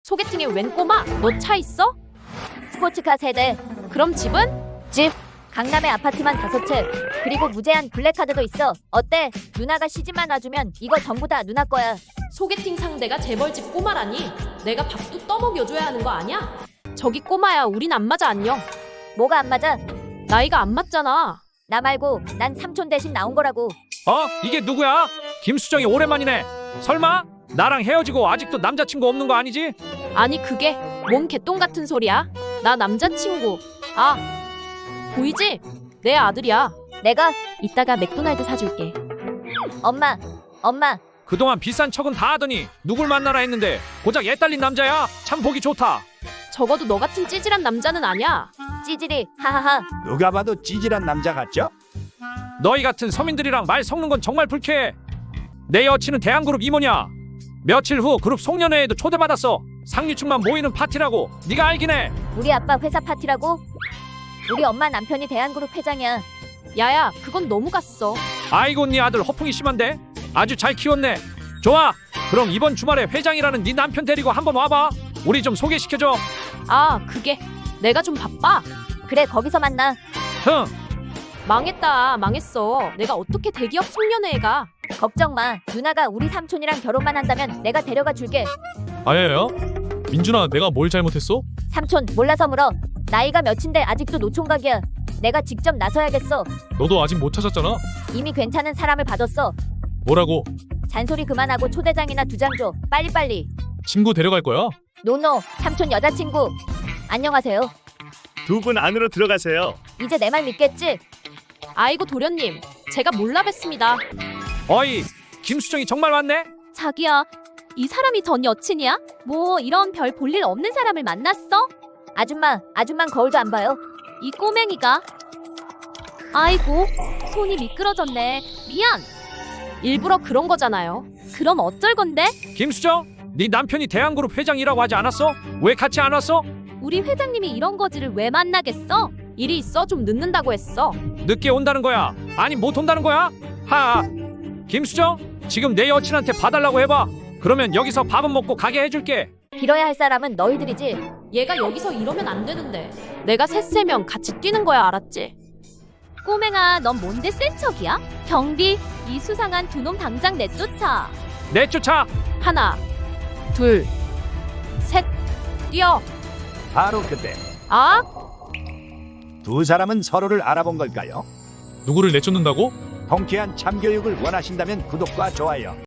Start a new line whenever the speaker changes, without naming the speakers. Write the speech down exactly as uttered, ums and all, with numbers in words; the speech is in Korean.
소개팅에 웬 꼬마? 너 차 있어?
스포츠카 세대.
그럼 집은?
집. 강남에 아파트만 다섯 채. 그리고 무제한 블랙카드도 있어. 어때? 누나가 시집만 와주면 이거 전부 다 누나 거야.
소개팅 상대가 재벌집 꼬마라니? 내가 밥도 떠먹여줘야 하는 거 아냐? 저기 꼬마야, 우린 안 맞아. 안녕.
뭐가 안 맞아?
나이가 안 맞잖아.
나 말고 난 삼촌 대신 나온 거라고.
어? 이게 누구야? 김수정이 오랜만이네. 설마? 나랑 헤어지고 아직도 남자친구 없는 거 아니지?
아니 그게 뭔 개똥 같은 소리야? 나 남자친구. 아, 보이지? 내 아들이야.
내가?
이따가 맥도날드 사줄게.
엄마. 엄마.
그동안 비싼 척은 다 하더니 누굴 만나라 했는데 고작 애 딸린 남자야? 참 보기 좋다.
적어도 너 같은 찌질한 남자는 아니야.
찌질이. 하하하.
누가 봐도 찌질한 남자 같죠?
너희 같은 서민들이랑 말 섞는 건 정말 불쾌해. 내 여친은 대한그룹 임원이야. 며칠 후 그룹 송년회에도 초대받았어. 상류층만 모이는 파티라고. 네가 알긴 해.
우리 아빠 회사 파티라고? 우리 엄마 남편이 대한그룹 회장이야.
야야, 그건 너무 갔어.
아이고, 네 아들 허풍이 심한데? 아주 잘 키웠네. 좋아, 그럼 이번 주말에 회장이라는 네 남편 데리고 한번 와봐. 우리 좀 소개시켜줘.
아, 그게 내가 좀 바빠.
그래, 거기서 만나.
흥.
망했다, 망했어. 내가 어떻게 대기업 송년회에 가?
걱정 마. 누나가 우리 삼촌이랑 결혼만 한다면 내가 데려가 줄게.
아야야? 민준아, 내가 뭘 잘못했어?
삼촌, 몰라서 물어. 나이가 몇인데 아직도 노총각이야. 내가 직접 나서야겠어.
너도 아직 못 찾았잖아.
이미 괜찮은 사람을 봐뒀어.
뭐라고?
잔소리 그만하고 초대장이나 두 장 줘. 빨리빨리.
친구 데려갈 거야?
노노, 삼촌 여자친구. 안녕하세요.
두 분 안으로 들어가세요.
이제 내 말 믿겠지?
아이고 도련님, 제가 몰라 뵀습니다.
어이, 김수정이 정말 왔네?
자기야, 이 사람이 전 여친이야? 뭐 이런 별 볼 일 없는 사람을 만났어?
아줌마, 아줌만 거울도 안 봐요.
이 꼬맹이가. 아이고, 손이 미끄러졌네. 미안.
일부러 그런 거잖아요.
그럼 어쩔 건데?
김수정, 네 남편이 대한그룹 회장이라고 하지 않았어? 왜 같이 안 왔어?
우리 회장님이 이런 거지를 왜 만나겠어?
일이 있어 좀 늦는다고 했어.
늦게 온다는 거야? 아니 못 온다는 거야? 하. 김수정, 지금 내 여친한테 봐달라고 해봐. 그러면 여기서 밥은 먹고 가게 해줄게.
빌어야 할 사람은 너희들이지.
얘가 여기서 이러면 안 되는데. 내가 셋세면 같이 뛰는 거야, 알았지?
꼬맹아, 넌 뭔데 센 척이야? 경비, 이 수상한 두 놈 당장 내쫓아.
내쫓아.
하나, 둘, 셋, 뛰어.
바로 그때
아,
두 사람은 서로를 알아본 걸까요?
누구를 내쫓는다고?
통쾌한 참교육을 원하신다면 구독과 좋아요